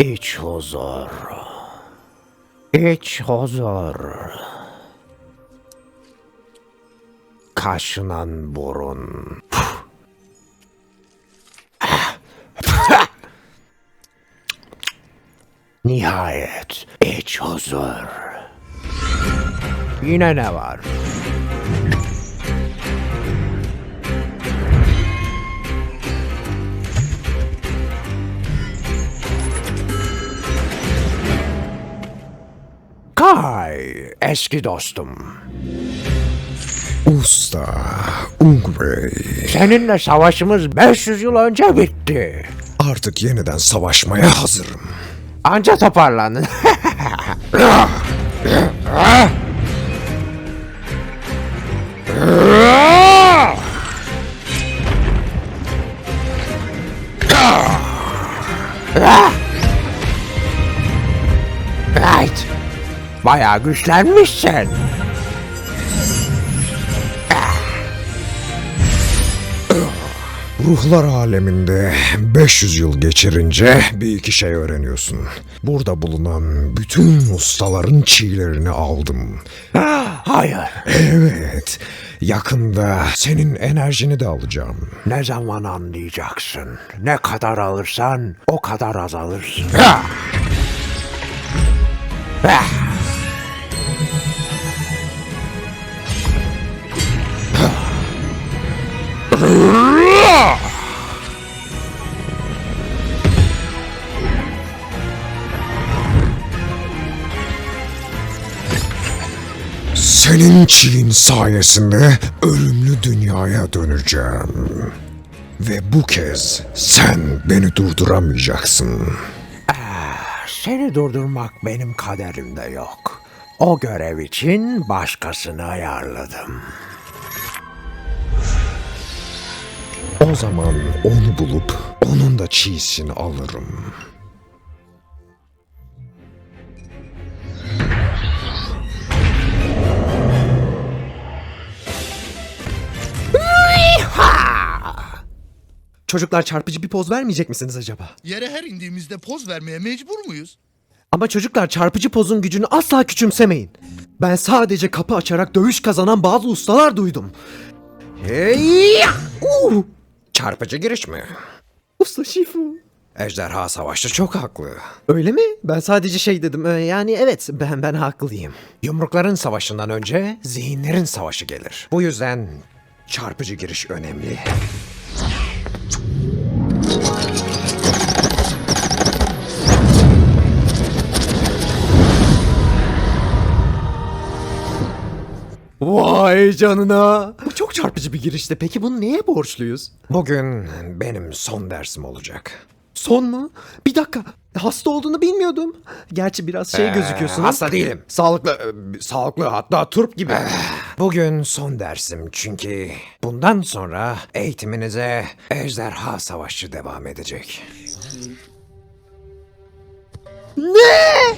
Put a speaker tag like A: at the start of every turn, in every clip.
A: İç huzur. İç huzur. Kaşınan burun. Nihayet iç huzur. Yine ne var? Kay, eski dostum.
B: Usta, Ung Bey.
A: Seninle savaşımız 500 yıl önce bitti.
B: Artık yeniden savaşmaya hazırım.
A: Anca toparlandın. Right. Bayağı güçlenmişsin.
B: Ruhlar aleminde 500 yıl geçirince bir iki şey öğreniyorsun. Burada bulunan bütün ustaların çiğlerini aldım.
A: Hayır.
B: Evet, yakında senin enerjini de alacağım.
A: Ne zaman anlayacaksın? Ne kadar alırsan o kadar azalırsın.
B: Senin çiğin sayesinde ölümlü dünyaya döneceğim. Ve bu kez sen beni durduramayacaksın.
A: Seni durdurmak benim kaderimde yok. O görev için başkasını ayarladım.
B: O zaman onu bulup onun da çiğsini alırım.
C: Çocuklar çarpıcı bir poz vermeyecek misiniz acaba?
D: Yere her indiğimizde poz vermeye mecbur muyuz?
C: Ama çocuklar çarpıcı pozun gücünü asla küçümsemeyin. Ben sadece kapı açarak dövüş kazanan bazı ustalar duydum.
B: Hey! Çarpıcı giriş mi?
C: Usta Shifu.
B: Ejderha Savaşçı çok haklı.
C: Öyle mi? Ben sadece şey dedim. Yani evet ben haklıyım.
B: Yumrukların savaşından önce zihinlerin savaşı gelir. Bu yüzden çarpıcı giriş önemli.
C: Vay canına. Bu çok çarpıcı bir girişti. Peki bunu neye borçluyuz?
B: Bugün benim son dersim olacak.
C: Son mu? Bir dakika. Hasta olduğunu bilmiyordum. Gerçi biraz şey gözüküyorsunuz.
B: Hasta değilim. Sağlıklı hatta turp gibi. Bugün son dersim çünkü bundan sonra eğitiminize Ejderha Savaşçı devam edecek.
C: Ne?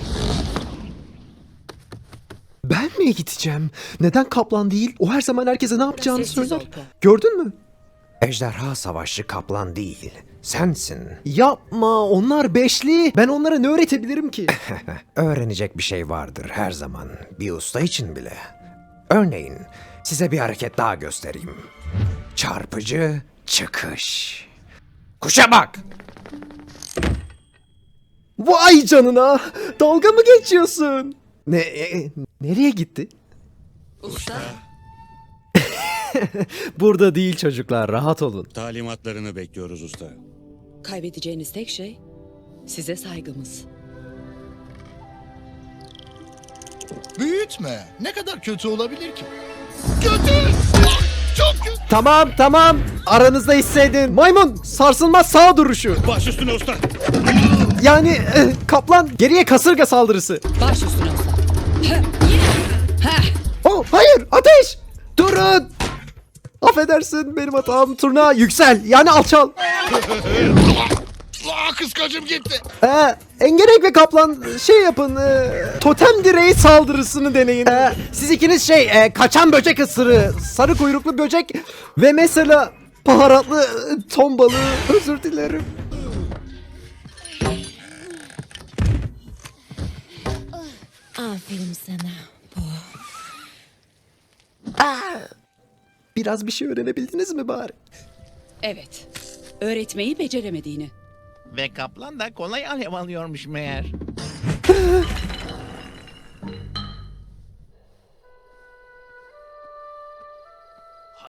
C: Ben mi gideceğim? Neden kaplan değil? O her zaman herkese ne yapacağını
E: Sessiz
C: söyler.
E: ol Po.
C: Gördün mü?
B: Ejderha Savaşçı kaplan değil, sensin.
C: Yapma, onlar beşli. Ben onlara ne öğretebilirim ki?
B: Öğrenecek bir şey vardır her zaman, bir usta için bile. Örneğin size bir hareket daha göstereyim. Çarpıcı çıkış. Kuşa bak!
C: Vay canına! Dalga mı geçiyorsun? Nereye gitti?
E: Usta,
C: Burada değil çocuklar, rahat olun.
F: Talimatlarını bekliyoruz usta.
E: kaybedeceğiniz tek şey size saygımız.
D: Büyütme. Ne kadar kötü olabilir ki? Kötü! Çok kötü!
C: Tamam. Aranızda hissedin. Maymun, sarsılmaz sağ duruşu.
F: Baş üstüne usta.
C: Yani kaplan geriye kasırga saldırısı.
E: Baş üstüne usta.
C: Oh, hayır, ateş! Durun! Affedersin, benim hatam. Turna yüksel, yani alçal.
D: Kıskacım gitti.
C: Engerek ve kaplan şey yapın, totem direği saldırısını deneyin. Siz ikiniz kaçan böcek ısırığı, sarı kuyruklu böcek ve mesela baharatlı ton balığı, özür dilerim.
E: Aferin sana. Bu.
C: Biraz bir şey öğrenebildiniz mi bari?
E: Evet. Öğretmeyi beceremediğini.
G: Ve kaplan da kolay alev alıyormuş meğer.